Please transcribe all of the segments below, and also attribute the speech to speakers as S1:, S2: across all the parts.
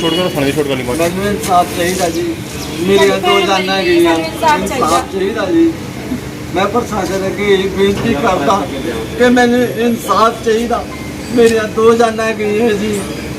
S1: ਛੋੜ ਕਰ ਥਾਣੇ ਛੋੜ ਕਰ ਲਈ
S2: ਮੈਨੂੰ ਇਨਸਾਫ ਚਾਹੀਦਾ ਜੀ। ਮੇਰੀਆਂ ਦੋ ਜਾਨਾਂ ਗਈਆਂ, ਇਨਸਾਫ ਚਾਹੀਦਾ ਜੀ। ਮੈਂ ਪ੍ਰਸ਼ਾਸਨ ਅੱਗੇ ਇਹ ਬੇਨਤੀ ਕਰਦਾ ਕਿ ਮੈਨੂੰ ਇਨਸਾਫ ਚਾਹੀਦਾ। ਮੇਰੀਆਂ ਦੋ ਜਾਨਾਂ ਗਈਆਂ ਜੀ,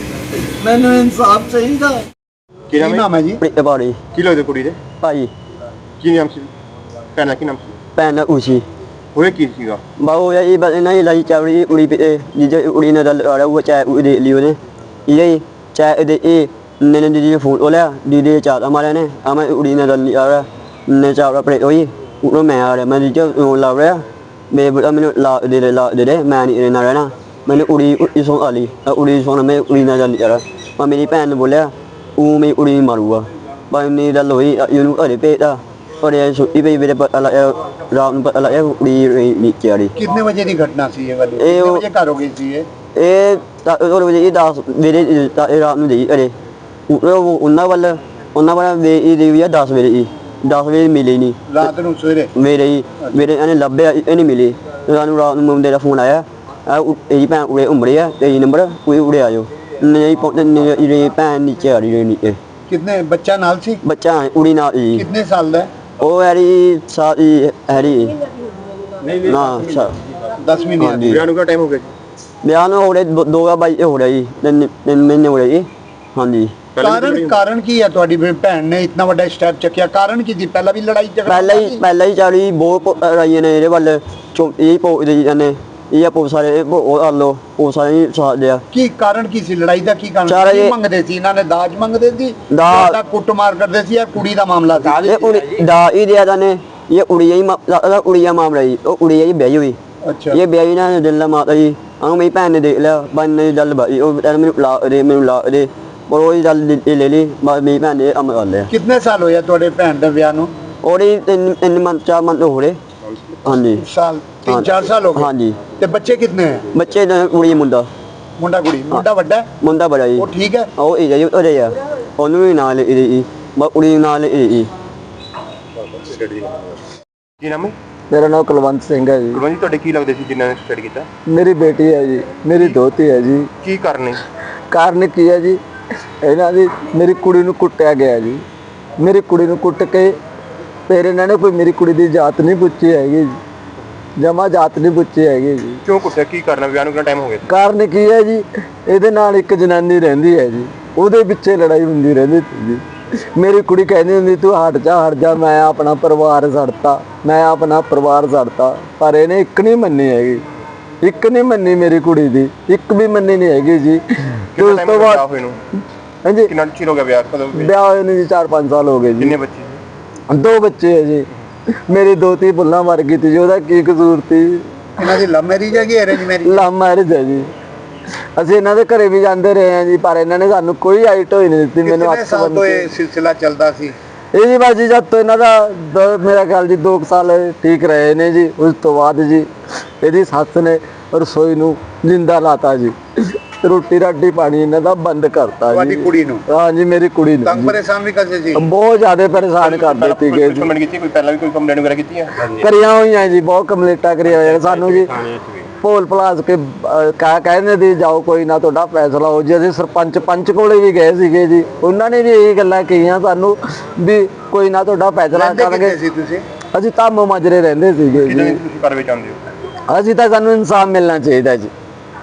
S2: ਮੈਨੂੰ ਇਨਸਾਫ ਚਾਹੀਦਾ।
S1: ਕੀ ਨਾਮ ਹੈ ਜੀ?
S3: ਪ੍ਰਿਤਪਾਲੀ
S1: ਕੀ ਲੱਗਦੇ ਕੁੜੀ ਦੇ
S3: ਭਾਈ।
S1: ਕੀ ਨਾਮ ਸੀ? ਭੈਣ ਦਾ ਕੀ ਨਾਮ ਸੀ?
S3: ਭੈਣ ਉਸੀ
S1: ਹੋਇਆ ਕੀ ਸੀਗਾ?
S3: ਬਾਹੂ ਇਹ ਬਸ ਨਹੀਂ ਲਈ ਚਾਵੜੀ ਉੜੀ ਪੇ ਜਿਹਦੇ ਉੜੀ ਨੇ ਦਲ ਆ ਉਹ ਚਾਹ ਉਹਦੇ ਲਿਓ ਨੇ ਇਹ ਚਾਹ ਇਹਦੇ ਇਹ ਨੇ ਦੀ ਫੋਨ ਉਹਲਾ ਦੀ ਚਾਹ ਹਮਾਰੇ ਨੇ ਆਵੇਂ ਉੜੀ ਨੇ ਦਲ ਆ ਰਿਹਾ ਨੇ ਚਾਹ ਆਪਣੇ ਉਹੀ ਉਹ ਮੈਂ ਆ ਰਿਹਾ ਮੈਂ ਜੀ ਲਾ ਰਿਹਾ ਮੈਂ ਮੈਨੂੰ ਲਾ ਦੇ ਮੈਂ ਨਹੀਂ ਰਹਿਣਾ ਰਹਿਣਾ ਮੈਨੂੰ ਉੜੀ ਇਸੋਂ ਆ ਲਈ ਉੜੀ ਸੋਨ ਮੈਂ ਉੜੀ ਨਾਲ ਦਲ ਆ ਰਿਹਾ ਮੈਂ ਮੇਰੀ ਭੈਣ ਨੇ ਬੋਲਿਆ ਉਹ ਮੈਂ ਉੜੀ ਮਾਰੂਗਾ ਬਾਈ ਨੇ ਦਲ ਹੋਈ ਇਹਨੂੰ ਘਰੇ ਭੇਜਦਾ और ये छुट्टी पे मेरे रात में पता लगा उड़ी नीचे आ रही।
S4: कितने बजे की घटना सी ये वाली? कितने बजे घर हो गई थी ये?
S3: और बजे 10 मेरे रात में दी अरे उन्ना वाला वे दी 10 बजे 10 बजे मिली नहीं
S4: रात ਨੂੰ ਸਵੇਰੇ
S3: मेरे ਇਹਨੇ ਲੱਭਿਆ ਇਹ ਨਹੀਂ ਮਿਲੀ ਸਾਨੂੰ ਰਾਤ ਨੂੰ ਮੁੰਡੇ ਦਾ ਫੋਨ ਆਇਆ ਇਹ ਭੈਣ ਉਰੇ ਉਮਰੇ ਆ 23 ਨੰਬਰ ਕੋਈ ਉਰੇ ਆਇਓ ਨਹੀਂ ਪਹੁੰਚੇ ਭੈਣ ਨੀਚੇ ਆ ਰਹੀ ਨੀਚੇ।
S4: कितने बच्चा नाल सी?
S3: ਬੱਚਾ ਉੜੀ ਨਾਲ ਜੀ।
S4: कितने साल ਦਾ?
S3: ਉਹ ਹੈਰੀ ਸਾਰੀ ਹੈਰੀ ਨਾ
S4: 10 ਮਹੀਨੇ।
S1: ਵਿਆਹ ਨੂੰ ਕਿੰਨਾ ਟਾਈਮ ਹੋ ਗਿਆ?
S3: ਵਿਆਹ ਨੂੰ ਹੋ ਰਹੇ 2 ਹੋ ਰਿਹਾ ਜੀ 3 ਮਹੀਨੇ ਹੋ ਰਹੇ ਜੀ। ਹਾਂਜੀ
S4: ਕਾਰਨ ਕੀ ਹੈ ਤੁਹਾਡੀ ਭੈਣ ਨੇ ਇਤਨਾ ਵੱਡਾ ਸਟੈਪ ਚੱਕਿਆ? ਕਾਰਨ ਕੀ ਸੀ? ਪਹਿਲਾਂ ਵੀ ਲੜਾਈ ਝਗੜਾ
S3: ਪਹਿਲਾਂ ਹੀ ਚਾਲੀ ਬਹੁਤ ਰਾਈਏ ਨੇ ਇਹਦੇ ਵੱਲ ਇਹ ਪੋਦੇ ਜਾਂਦੇ ਇਹ ਪੋ ਸਾਰੇ ਉਹ ਆਲੋ ਉਹ ਸਾਰੇ ਸਾਥ ਦਿਆ।
S4: ਕੀ ਕਾਰਨ ਕੀ ਸੀ ਲੜਾਈ ਦਾ? ਕੀ ਕਾਰਨ ਕੀ ਮੰਗਦੇ ਸੀ ਇਹਨਾਂ ਨੇ? ਦਾਜ ਮੰਗਦੇ ਸੀ? ਦਾ ਕੁੱਟਮਾਰ ਕਰਦੇ ਸੀ ਜਾਂ ਕੁੜੀ ਦਾ ਮਾਮਲਾ ਸੀ?
S3: ਇਹ ਦਾ ਇਹ ਦਿਆ ਦਾ ਨੇ ਇਹ ਉੜੀਆ ਮਾਮਲਾ ਜੀ। ਉਹ ਉੜੀਆ ਜੀ ਵਿਆਹੀ ਹੋਈ।
S4: ਅੱਛਾ
S3: ਇਹ ਵਿਆਹੀ ਨਾ ਦਿਲ ਮਾਤਾ ਜੀ ਉਹਨੂੰ ਮੇਰੀ ਭੈਣ ਨੇ ਦੇਖ ਲਿਆ ਬੰਨੇ ਗੱਲ ਬਾਈ ਉਹ ਮੈਨੂੰ ਲਾ ਦੇ ਪਰ ਉਹ ਗੱਲ ਲੈ ਲਈ ਮੇਰੀ ਭੈਣ ਨੇ ਅਮਰ ਕਰ ਲਿਆ।
S4: ਕਿੰਨੇ ਸਾਲ ਹੋਇਆ ਤੁਹਾਡੇ ਭੈਣ ਦੇ ਵਿਆਹ ਨੂੰ?
S3: ਉਹਦੀ 4 ਮੰਥ ਹੋ ਰਹੇ। ਹਾਂਜੀ
S4: ਸਾਲ 3-4 ਸਾਲ ਹੋ ਗਏ।
S3: ਹਾਂਜੀ
S4: ਤੇ ਬੱਚੇ ਕਿੰਨੇ ਹੈ?
S3: ਬੱਚੇ ਕੁੜੀ ਮੁੰਡਾ
S4: ਕੁੜੀ। ਮੁੰਡਾ ਵੱਡਾ?
S3: ਮੁੰਡਾ ਬੜਾ ਜੀ।
S4: ਉਹ ਠੀਕ ਹੈ?
S3: ਉਹ ਇਹ ਜੀ ਉਹਦੇ ਆ ਉਹਨੂੰ ਵੀ ਨਾਲ ਇਹ ਕੁੜੀ ਨਾਲ ਇਹ।
S1: ਕੀ ਨਾਮ ਹੈ?
S2: ਮੇਰਾ ਨਾਮ ਕੁਲਵੰਤ ਸਿੰਘ ਹੈ ਜੀ।
S1: ਕੁਲਵੰਤ ਜੀ ਤੁਹਾਡੇ ਕੀ ਲੱਗਦੇ ਸੀ ਜਿਨ੍ਹਾਂ ਨੇ ਸੁਸਾਈਡ ਕੀਤਾ?
S2: ਮੇਰੀ ਬੇਟੀ ਹੈ ਜੀ, ਮੇਰੀ ਦੋਤੀ ਹੈ ਜੀ।
S1: ਕੀ ਕਾਰਨ ਹੈ?
S2: ਕਾਰਨ ਕੀ ਹੈ ਜੀ? ਇਹਨਾਂ ਦੀ ਮੇਰੀ ਕੁੜੀ ਨੂੰ ਕੁੱਟਿਆ ਗਿਆ ਜੀ। ਮੇਰੀ ਕੁੜੀ ਨੂੰ ਕੁੱਟ ਕੇ ਫਿਰ ਇਹਨਾਂ ਨੇ ਕੋਈ ਮੇਰੀ ਕੁੜੀ ਦੀ ਜਾਤ ਨਹੀਂ ਪੁੱਛੀ ਹੈਗੀ ਜੀ, ਜਮਾ ਜਾਤ ਨਹੀਂ ਪੁੱਛੀ ਹੈਗੀ ਜੀ।
S1: ਕਿਉਂ ਕੁੱਟਿਆ? ਕੀ ਕਰਨਾ? ਵਿਆਹ ਨੂੰ ਕਿੰਨਾ ਟਾਈਮ ਹੋ ਗਿਆ?
S2: ਕਾਰਨ ਕੀ ਹੈ ਜੀ? ਇਹਦੇ ਨਾਲ ਇੱਕ ਜਨਾਨੀ ਰਹਿੰਦੀ ਹੈ ਜੀ, ਉਹਦੇ ਪਿੱਛੇ ਲੜਾਈ ਹੁੰਦੀ ਰਹਿੰਦੀ ਸੀ ਜੀ। ਮੇਰੀ ਕੁੜੀ ਕਹਿੰਦੀ ਹੁੰਦੀ ਤੂੰ ਹਟ ਜਾ ਮੈਂ ਆਪਣਾ ਪਰਿਵਾਰ ਛੱਡਤਾ ਪਰ ਇਹਨੇ ਇੱਕ ਨਹੀਂ ਮੰਨੀ ਹੈਗੀ, ਇੱਕ ਨਹੀਂ ਮੰਨੀ ਮੇਰੀ ਕੁੜੀ ਦੀ, ਇੱਕ ਵੀ ਮੰਨੀ ਨਹੀਂ ਹੈਗੀ ਜੀ।
S1: ਉਸ ਤੋਂ ਬਾਅਦ ਹੋਏ ਨੂੰ
S2: ਹਾਂਜੀ
S1: ਕਿੰਨਾ ਚਿਰ ਹੋ ਗਿਆ ਵਿਆਹ? ਕਦੋਂ
S2: ਵਿਆਹ ਹੋਏ ਨੂੰ ਜੀ 4-5 ਸਾਲ ਹੋ ਗਏ ਜੀ।
S1: ਕਿੰਨੇ ਬੱਚੇ?
S2: 2 ਬੱਚੇ ਹੈ ਜੀ। ਮੇਰੀ ਦੋਤੀ ਭੁੱਲਾਂ ਮਰ ਗਈ ਤੀ ਜੀ, ਉਹਦਾ ਕੀ ਕਸੂਰ ਤੀ?
S4: ਇਹਨਾਂ ਦੀ ਲਵ ਮੈਰਿਜ ਹੈ ਕਿ ਅਰੇਂਜ ਮੈਰਿਜ?
S2: ਲਵ ਮੈਰਿਜ ਹੈ ਜੀ। ਅਸੀਂ ਇਹਨਾਂ ਦੇ ਘਰੇ ਵੀ ਜਾਂਦੇ ਰਹੇ ਹਾਂ ਜੀ ਪਰ ਇਹਨਾਂ ਨੇ ਸਾਨੂੰ ਕੋਈ ਆਈਟ ਹੋਈ ਨਹੀਂ ਦਿੱਤੀ। ਮੈਨੂੰ 8
S4: ਸਾਲ ਤੋਂ ਇਹ ਸਿਲਸਿਲਾ ਚੱਲਦਾ ਸੀ
S2: ਇਹ ਜੀ ਬਾਜੀ ਜਦ ਤੋਂ ਇਹਨਾਂ ਦਾ ਮੇਰਾ ਖਿਆਲ ਜੀ 2 ਸਾਲ ਠੀਕ ਰਹੇ ਨੇ ਜੀ। ਉਸ ਤੋਂ ਬਾਅਦ ਜੀ ਇਹਦੀ ਸੱਸ ਨੇ ਰਸੋਈ ਨੂੰ ਜਿੰਦਾ ਲਾਤਾ ਜੀ, ਰੋਟੀ ਰਾਟੀ ਪਾਣੀ ਇਹਨਾਂ ਦਾ ਬੰਦ ਕਰਤਾ ਜੀ।
S4: ਤੁਹਾਡੀ ਕੁੜੀ ਨੂੰ?
S2: ਹਾਂ ਜੀ ਮੇਰੀ ਕੁੜੀ ਨੂੰ।
S4: ਤੰਗ ਪਰੇਸ਼ਾਨ ਵੀ ਕਰਦੇ ਸੀ?
S2: ਬਹੁਤ ਜ਼ਿਆਦਾ ਪਰੇਸ਼ਾਨ ਕਰਦੇ ਸੀਗੇ ਜੀ।
S1: ਕੰਪਲੇਂਟ ਕੀਤੀ? ਕੋਈ ਪਹਿਲਾਂ ਵੀ ਕੋਈ ਕੰਪਲੇਂਟ ਵਗੈਰਾ ਕੀਤੀ ਹੈ?
S2: ਕਰੀਆਂ ਹੋਈਆਂ ਜੀ, ਬਹੁਤ ਕੰਪਲੇਂਟਾਂ ਕਰੀਆਂ ਹੋਈਆਂ ਸਾਨੂੰ ਜੀ। ਭੋਲ ਭਲਾਸ ਕੇ ਕਹਿੰਦੇ ਦੀ ਜਾਓ ਕੋਈ ਨਾ ਤੁਹਾਡਾ ਫੈਸਲਾ ਹੋ ਜੀ। ਅਸੀਂ ਸਰਪੰਚ ਕੋਲੇ ਵੀ ਗਏ ਸੀਗੇ ਜੀ, ਉਹਨਾਂ ਨੇ ਵੀ ਇਹੀ ਗੱਲਾਂ ਕਹੀਆਂ ਸਾਨੂੰ ਵੀ ਕੋਈ ਨਾ ਤੁਹਾਡਾ ਫੈਸਲਾ ਕਰਾਂਗੇ। ਅਸੀਂ ਤਾਂ ਮਾਜਰੇ ਰਹਿੰਦੇ ਸੀਗੇ ਜੀ।
S1: ਤੁਸੀਂ ਕਰਵੇ ਚਾਹੁੰਦੇ ਹੋ?
S2: ਅਸੀਂ ਤਾਂ ਸਾਨੂੰ ਇਨਸਾਫ ਮਿਲਣਾ ਚਾਹੀਦਾ ਜੀ,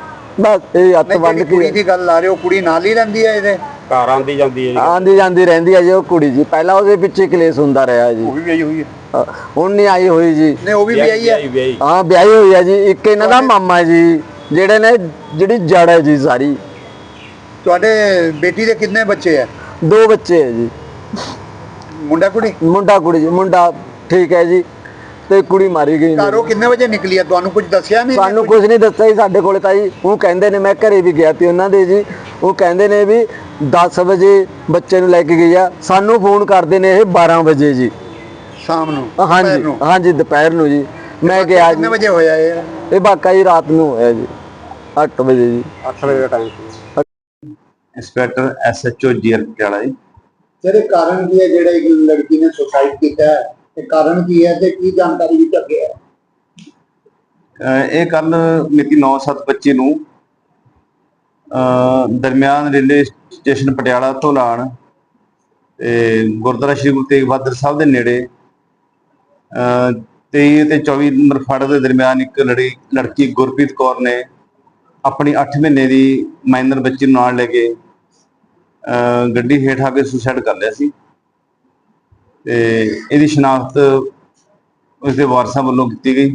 S2: ਬਸ ਇਹ ਹੱਥ ਬੰਨ ਕੇ।
S4: ਕੁੜੀ ਦੀ ਗੱਲ ਆ ਰਹੇ ਹੋ, ਕੁੜੀ ਨਾਲ ਹੀ ਰਹਿੰਦੀ ਹੈ ਇਹਦੇ
S1: ਘਰ ਆਂਦੀ
S2: ਜਾਂਦੀ ਰਹਿੰਦੀ ਹੈ ਜੀ ਉਹ ਕੁੜੀ ਜੀ। ਪਹਿਲਾਂ ਉਹਦੇ ਪਿੱਛੇ ਕਲੇਸ਼ ਹੁੰਦਾ ਰਿਹਾ ਜੀ।
S1: ਉਹ ਵੀ ਵਿਆਹੀ ਹੋਈ ਹੈ?
S2: ਹੁਣ ਨਹੀਂ ਆਈ ਹੋਈ ਜੀ।
S4: ਨਹੀਂ ਉਹ ਵੀ ਵਿਆਹੀ ਹੈ?
S2: ਹਾਂ ਵਿਆਹੀ ਹੋਈ ਹੈ ਜੀ। ਇੱਕ ਇਹਨਾਂ ਦਾ ਮਾਮਾ ਜੀ ਜਿਹੜੇ ਨੇ ਜਿਹੜੀ ਜੜ ਹੈ ਜੀ ਸਾਰੀ।
S4: ਤੁਹਾਡੇ ਬੇਟੀ ਦੇ ਕਿੰਨੇ ਬੱਚੇ ਹੈ?
S2: 2 ਬੱਚੇ ਹੈ ਜੀ।
S4: ਮੁੰਡਾ ਕੁੜੀ?
S2: ਮੁੰਡਾ ਕੁੜੀ ਜੀ। ਮੁੰਡਾ ਠੀਕ ਹੈ ਜੀ ਤੇ ਕੁੜੀ ਮਾਰੀ ਗਈ।
S4: ਘਰੋਂ ਕਿੰਨੇ ਵਜੇ ਨਿਕਲੀ ਹੈ? ਤੁਹਾਨੂੰ ਕੁਝ ਦੱਸਿਆ ਨਹੀਂ?
S2: ਸਾਨੂੰ ਕੁਝ ਨਹੀਂ ਦੱਸਿਆ ਜੀ ਸਾਡੇ ਕੋਲ ਤਾਂ ਜੀ। ਉਹ ਕਹਿੰਦੇ ਨੇ ਮੈਂ ਘਰੇ ਵੀ ਗਿਆ ਤੀ ਉਹਨਾਂ ਦੇ ਜੀ, ਉਹ ਕਹਿੰਦੇ ਨੇ ਵੀ 10 ਵਜੇ ਬੱਚੇ ਨੂੰ ਲੈ ਕੇ ਗਈ ਆ। ਸਾਨੂੰ ਫੋਨ ਕਰਦੇ ਨੇ ਇਹ 12 ਵਜੇ ਜੀ
S4: ਸ਼ਾਮ ਨੂੰ?
S2: ਹਾਂਜੀ ਦੁਪਹਿਰ ਨੂੰ ਜੀ। ਮੈਂ ਗਿਆ।
S4: ਕਿੰਨੇ ਵਜੇ ਹੋਇਆ
S2: ਇਹ ਵਾਕਾ ਜੀ ਰਾਤ ਨੂੰ ਹੋਇਆ ਜੀ 8 ਵਜੇ ਜੀ।
S1: 8 ਵਜੇ ਦਾ ਟਾਈਮ ਸੀ। ਇੰਸਪੈਕਟਰ SHO ਜੀਆਰ ਪਟਿਆਲਾ ਜੀ।
S4: ਜਿਹੜੇ ਕਾਰਨ ਕੀ ਹੈ ਜਿਹੜੇ ਇੱਕ ਲੜਕੀ ਨੇ ਸੁਸਾਈਡ ਕੀਤਾ ਹੈ, ਤੇ ਕਾਰਨ ਕੀ ਹੈ ਤੇ ਕੀ ਜਾਣਕਾਰੀ ਵਿੱਚ ਅੱਗੇ ਹੈ?
S5: ਇਹ ਕੱਲ ਮਿਤੀ 9/7 ਬੱਚੇ ਨੂੰ
S1: ਦਰਮਿਆਨ ਰੇਲਵੇ ਸਟੇਸ਼ਨ ਪਟਿਆਲਾ ਤੋਂ ਲਾਣ ਤੇ ਗੁਰਦੁਆਰਾ ਸ਼੍ਰੀ ਗੁਰੂ ਤੇਗ ਬਹਾਦਰ ਸਾਹਿਬ ਦੇ ਨੇੜੇ 23 ਤੇ 24 ਨੰਬਰ ਫਾਟਕ ਦੇ ਦਰਮਿਆਨ ਇੱਕ ਲੜਕੀ ਗੁਰਪ੍ਰੀਤ ਕੌਰ ਨੇ ਆਪਣੀ 8 ਮਹੀਨੇ ਦੀ ਮਾਈਨਰ ਬੱਚੀ ਨੂੰ ਨਾਲ ਲੈ ਕੇ ਗੱਡੀ ਹੇਠ ਆ ਕੇ ਸੁਸਾਈਡ ਕਰ ਲਿਆ ਸੀ ਤੇ ਇਹਦੀ ਸ਼ਨਾਖਤ ਉਸਦੇ ਵਾਰਸਾਂ ਵੱਲੋਂ ਕੀਤੀ ਗਈ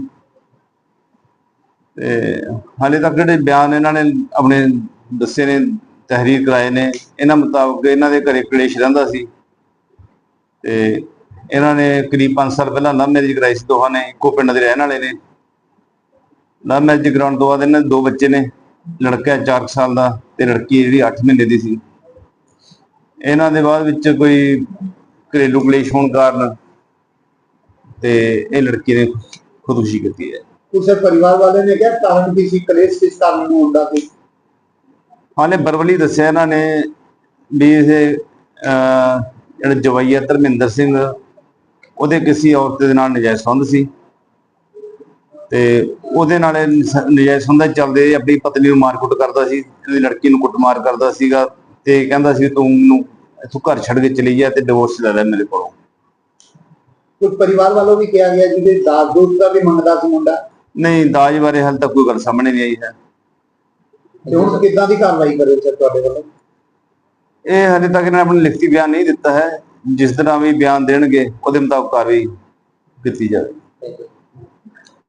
S1: ਤੇ ਹਾਲੇ ਤੱਕ ਜਿਹੜੇ ਬਿਆਨ ਇਹਨਾਂ ਨੇ ਆਪਣੇ ਦੱਸੇ ਨੇ, ਤਹਿਰੀਰ ਕਰਾਏ ਨੇ, ਇਹਨਾਂ ਮੁਤਾਬਕ ਇਹਨਾਂ ਦੇ ਘਰੇ ਕਲੇਸ਼ ਰਹਿੰਦਾ ਸੀ ਤੇ ਇਹਨਾਂ ਨੇ ਕਰੀਬ 5 ਸਾਲ ਪਹਿਲਾਂ ਲਵ ਮੈਰਿਜ ਕਰਾਈ ਸੀ। ਦੋਹਾਂ ਨੇ ਇੱਕੋ ਪਿੰਡ ਦੇ ਰਹਿਣ ਵਾਲੇ ਨੇ। ਲਵ ਮੈਰਿਜ ਕਰਾਉਣ ਤੋਂ ਬਾਅਦ ਇਹਨਾਂ ਦੇ 2 ਬੱਚੇ ਨੇ, ਲੜਕਾ 4 ਸਾਲ ਦਾ ਤੇ ਲੜਕੀ ਜਿਹੜੀ 8 ਮਹੀਨੇ ਦੀ ਸੀ। ਇਹਨਾਂ ਦੇ ਬਾਅਦ ਵਿੱਚ ਕੋਈ ਘਰੇਲੂ ਕਲੇਸ਼ ਹੋਣ ਕਾਰਨ ਤੇ ਇਹ ਲੜਕੀ ਨੇ ਖੁਦਕੁਸ਼ੀ ਕੀਤੀ ਹੈ।
S4: ਉਸੇ ਪਰਿਵਾਰ ਵਾਲੇ ਨੇ ਕਿਹਾ ਕਾਰਨ ਕੀ ਸੀ, ਕਲੇਸ਼ ਕਿਸ ਕਾਰਨ ਨੂੰ ਹੁੰਦਾ ਸੀ?
S1: ਹਾਲੇ ਬਰਵਲੀ ਦੱਸਿਆ ਇਹਨਾਂ ਨੇ ਵੀ ਇਹ ਜਿਹੜਾ ਜਵਾਈਆ ਧਰਮਿੰਦਰ ਸਿੰਘ ਉਹਦੇ ਕਿਸੇ ਔਰਤ ਦੇ ਨਾਲ ਨਜਾਇਜ਼ ਸੰਬੰਧ ਸੀ ਤੇ ਉਹਦੇ ਨਾਲ ਨਜਾਇਜ਼ ਸੰਬੰਧਾਂ ਚੱਲਦੇ ਆਪਣੀ ਪਤਨੀ ਨੂੰ ਮਾਰਕੁੱਟ ਕਰਦਾ ਸੀ, ਇਹਦੀ ਲੜਕੀ ਨੂੰ ਕੁੱਟਮਾਰ ਕਰਦਾ ਸੀਗਾ ਤੇ ਕਹਿੰਦਾ ਸੀ ਤੂੰ ਮੈਨੂੰ ਇੱਥੋਂ ਘਰ ਛੱਡ ਕੇ ਚਲੀ ਜਾ ਤੇ ਡਿਵੋਰਸ ਲੈ ਲੈ ਮੇਰੇ ਕੋਲੋਂ।
S4: ਕੁਝ ਪਰਿਵਾਰ ਵਾਲੋਂ ਵੀ ਕਿਹਾ ਗਿਆ ਜਿਹਦੇ ਦਾਜ ਦੂਜ ਦਾ ਵੀ ਮੰਗਦਾ ਸੀ ਮੁੰਡਾ।
S1: ਨਹੀਂ, ਦਾਜ ਬਾਰੇ ਹਾਲੇ ਤੱਕ ਕੋਈ ਗੱਲ ਸਾਹਮਣੇ ਨਹੀਂ ਆਈ ਹੈ।
S4: ਤੇ ਹੁਣ ਕਿੱਦਾਂ ਦੀ ਕਾਰਵਾਈ ਕਰੇ ਸਰ ਤੁਹਾਡੇ ਵੱਲੋਂ?
S1: ਇਹ ਹਾਲੇ ਤੱਕ ਇਹਨਾਂ ਨੇ ਆਪਣਾ ਲਿਖਤੀ ਬਿਆਨ ਨਹੀਂ ਦਿੱਤਾ ਹੈ। ਜਿਸ ਤਰ੍ਹਾਂ ਵੀ ਬਿਆਨ ਦੇਣਗੇ ਉਹਦੇ ਮੁਤਾਬਕ ਕਾਰਵਾਈ ਕੀਤੀ ਜਾਵੇ।